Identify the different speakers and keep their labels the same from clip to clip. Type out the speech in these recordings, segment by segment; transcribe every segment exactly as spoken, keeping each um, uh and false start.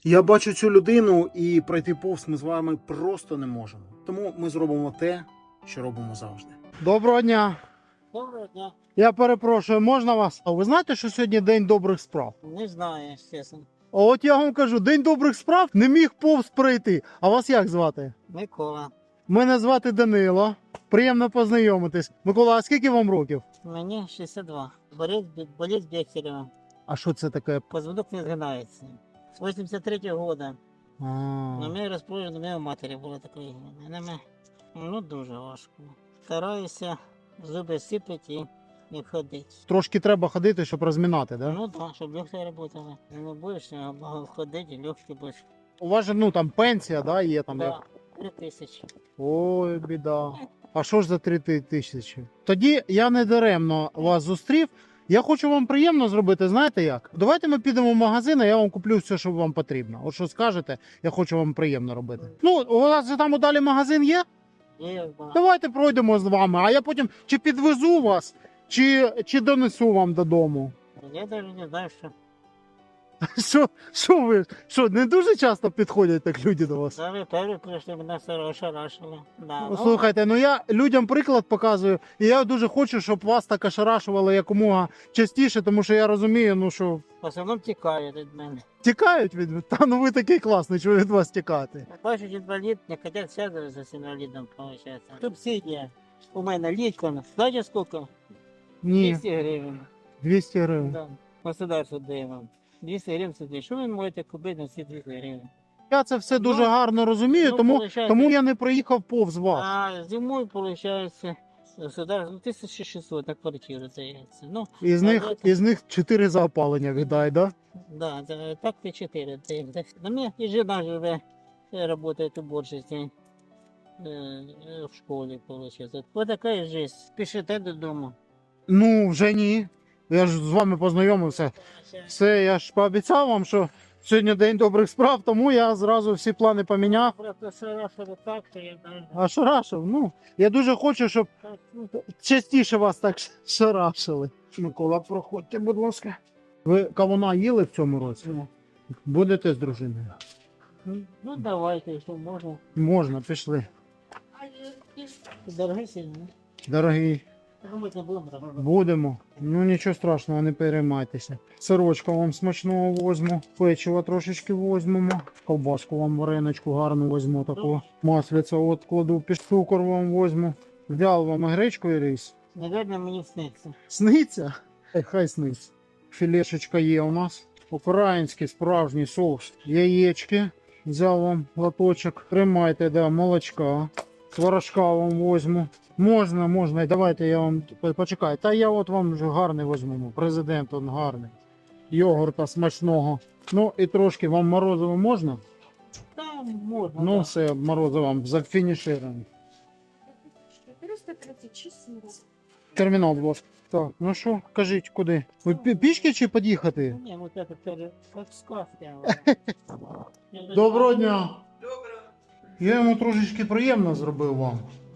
Speaker 1: Я бачу цю людину і пройти повз ми з вами просто не можемо. Тому ми зробимо те, що робимо завжди. Доброго дня.
Speaker 2: Доброго дня.
Speaker 1: Я перепрошую, можна вас? А ви знаєте, що сьогодні День добрих справ?
Speaker 2: Не знаю, чесно.
Speaker 1: А от я вам кажу, День добрих справ не міг повз пройти. А вас як звати?
Speaker 2: Микола.
Speaker 1: Мене звати Данило. Приємно познайомитись. Микола, а скільки вам років?
Speaker 2: Мені шістдесят два. Болить, болить Бехтерева.
Speaker 1: А що це таке?
Speaker 2: Позвонок не згинається. З вісімдесят третього року.
Speaker 1: А,
Speaker 2: На мене розположено, у мене матері було таке. На мене, ну, дуже важко. Стараюся зуби сипати і не ходити.
Speaker 1: Трошки треба ходити, щоб розмінати, да?
Speaker 2: Ну так, щоб легкі працювали. Не будеш багато ходити, легкі будеш.
Speaker 1: У вас же, ну, там пенсія, да, є там.
Speaker 2: Да, три тисячі.
Speaker 1: Ой, біда. А що ж за три тисячі? Тоді я не даремно вас зустрів. Я хочу вам приємно зробити, знаєте як? Давайте ми підемо в магазин, а я вам куплю все, що вам потрібно. От що скажете, я хочу вам приємно робити. Ну, у вас же там далі магазин є?
Speaker 2: Є, да.
Speaker 1: Давайте пройдемо з вами, а я потім чи підвезу вас, чи, чи донесу вам додому.
Speaker 2: Я навіть не знаю, що.
Speaker 1: Що, що ви, що, не дуже часто підходять так люди до вас?
Speaker 2: Саме перші прийшли, мене все ошарашили. Да, ну,
Speaker 1: Слухайте, ну я людям приклад показую, і я дуже хочу, щоб вас так ошарашували якомога частіше, тому що я розумію, ну що
Speaker 2: в основному тікають від мене.
Speaker 1: тікають від та ну ви такий класний, що від вас тікати.
Speaker 2: Бачить інвалід, не хотять зв'язуватися з інвалідом, виходить. Субсидія. У мене літка, знаєте скільки?
Speaker 1: Ні,
Speaker 2: двісті гривень.
Speaker 1: двісті гривень.
Speaker 2: Да. Государство дає вам. двісті гривень сюди. Що ви можете купити на ці двісті гривень?
Speaker 1: Я це все дуже
Speaker 2: Ну,
Speaker 1: гарно розумію,
Speaker 2: ну,
Speaker 1: тому,
Speaker 2: получається-
Speaker 1: тому я не проїхав повз вас.
Speaker 2: А зимою, виходить, государство, ну, тисяча шістсот на квартиру дається. Ну,
Speaker 1: Із
Speaker 2: а
Speaker 1: них,
Speaker 2: це-
Speaker 1: із них чотири за опалення віддай, да?
Speaker 2: да, да, так ти чотири дається. На мене і жена живе, працює уборщицей э, в школе, получается. Вот такая жизнь. Спешите додому.
Speaker 1: Ну, вже ні. Я ж з вами познайомився. Все, я ж пообіцяв вам, що сьогодні день добрих справ, тому я зразу всі плани поміняв.
Speaker 2: Просто шарашили так, що я навіть...
Speaker 1: А шарашив? Ну, я дуже хочу, щоб
Speaker 2: Так, ну,
Speaker 1: частіше вас так шарашили. Микола, проходьте, будь ласка. Ви кавуна їли в цьому році? Будете з дружиною?
Speaker 2: ну давайте, якщо можна.
Speaker 1: Можна, пішли.
Speaker 2: Дорогий сильно.
Speaker 1: Дорогий,
Speaker 2: Думати не будемо робити.
Speaker 1: будемо. Ну нічого страшного, не переймайтеся. Сирочка вам смачного возьму, печиво трошечки возьмемо, ковбаску вам вареничку гарну возьму, таку маслиця от кладу, під цукор вам возьму. Взяв вам гречку і рис.
Speaker 2: Наверное, мені сниться.
Speaker 1: Сниться? Е, Хай сниться. Філешечка є у нас. Український справжній соус. Яєчки. Взяв вам лоточок. Тримайте, да, молочка. Творожка вам возьму. Можна, можна. Давайте я вам почекаю. Та я от вам вже гарний возьму. Президент он гарний. Йогурта смачного. Ну і трошки вам морозиво можна?
Speaker 2: Там можна.
Speaker 1: Ну
Speaker 2: да.
Speaker 1: все, морозиво вам зафінішировано.
Speaker 3: четыреста тридцать шесть семьдесят.
Speaker 1: Термінал, будь ласка. Так, ну що, кажіть, куди? Ви пі- пішки чи під'їхати?
Speaker 2: Ні, вот это пере... как сказка.
Speaker 1: Доброго дня. Я йому трошечки приємно зробив вам.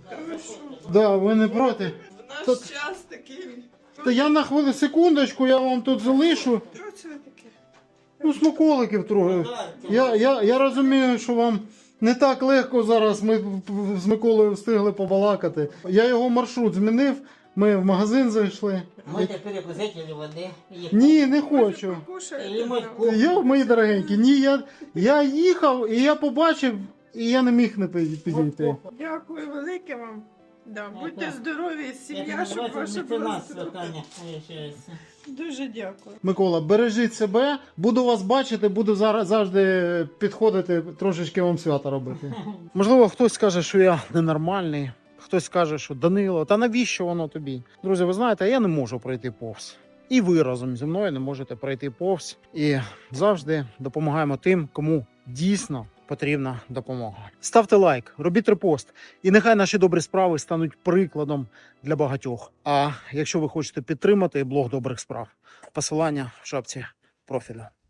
Speaker 1: Да, ви не проти.
Speaker 4: В наш
Speaker 1: Тут-
Speaker 4: час такий.
Speaker 1: Та я на хвилину секундочку, я вам тут залишу.
Speaker 4: Що це таке?
Speaker 1: Ну, смаколиків трохи. Я, я, я розумію, що вам не так легко зараз. Ми з Миколою встигли побалакати. Я його маршрут змінив. Ми в магазин зайшли.
Speaker 2: Можете перекусити води.
Speaker 1: Ні, не хочу.
Speaker 4: Покушайте.
Speaker 2: І ми
Speaker 4: ну.
Speaker 1: Я, мої дорогенькі, ні, я, я їхав і я побачив, і я не міг не пи- підійти.
Speaker 4: Дякую велике вам. Да, будьте
Speaker 2: Ага.
Speaker 4: здорові, сім'я, щоб ваша була здорова. Дуже дякую.
Speaker 1: Микола, бережіть себе, буду вас бачити, буду зараз завжди підходити, трошечки вам свята робити. Можливо, хтось скаже, що я ненормальний, хтось скаже, що Данило, та навіщо воно тобі? Друзі, ви знаєте, я не можу пройти повз. І ви разом зі мною не можете пройти повз. І завжди допомагаємо тим, кому дійсно потрібна допомога. Ставте лайк, робіть репост, і нехай наші добрі справи стануть прикладом для багатьох. А якщо ви хочете підтримати блог добрих справ, посилання в шапці профіля.